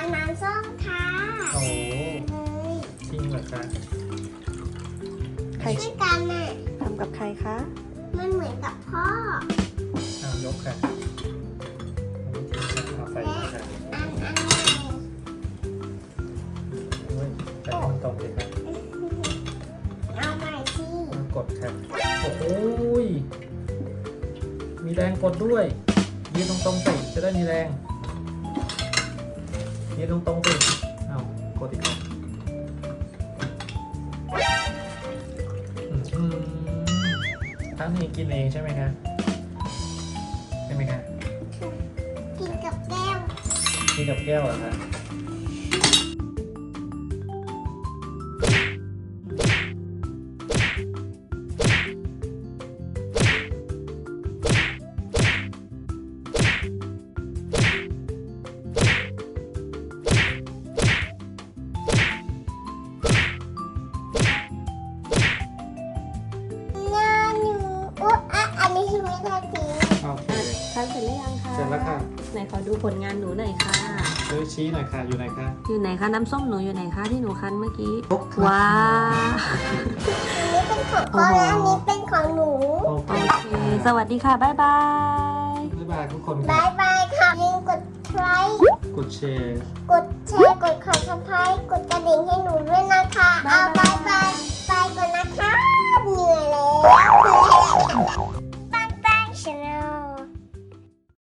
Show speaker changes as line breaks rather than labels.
ำน้ำส้มค่ะ
โอ้
เลย
จริงเหรอคะ
ใคร
ช่วยกันน่ะ
ทำกับใครคะ
มันเหมือนกับพ่อ
ยกค่ะเอาใส่มาค่ะ
อันใหม่
โอ้ยแต่มันตรงเลยครับ
เอาใหม่สิ
กดค่ะโอ้โหยมีแรงกดด้วยยืนตรงๆสิจะได้มีแรงยืนตรงๆสิเอากดอีกครับท่านนี้กินเองใช่ไหมคะใช่ไหมคะ
กินกับแก้ว
กินกับแก้วเหรอคะ
หน้าหนูอุ๊ยอ่ะอันนี้คือไม่ได้ทิ้ง
โอเค
ทานเสร็จหรือยังคะ
เสร็จแล้วค่ะ
ไหนขอดูผลงานหนูหน่อยค่ะ
ซื้อชี้หน่อยค่ะอยู่ไหนคะ
อยู่ไหนคะน้ำส้มหนูอยู่ไหนคะที่หนูคั้นเมื่อกี้
ครบค่ะ
ว้าว
อันนี้เป็นของพ่อและอันนี้เป็นของหนู
โอเค
โอเค สวัสดีค่ะ บ๊ายบาย
บ๊ายบายทุกคน
บา
ค่ะ
ยบายค่ะอย่าลืมกดไลค์
กดแชร์
กดแชร์ กดขอสับสไครต์กดกระดิ่งให้หนูด้วยนะคะ เอาบายบาย ไปก่อนนะคะ เหนื่อยแล้ว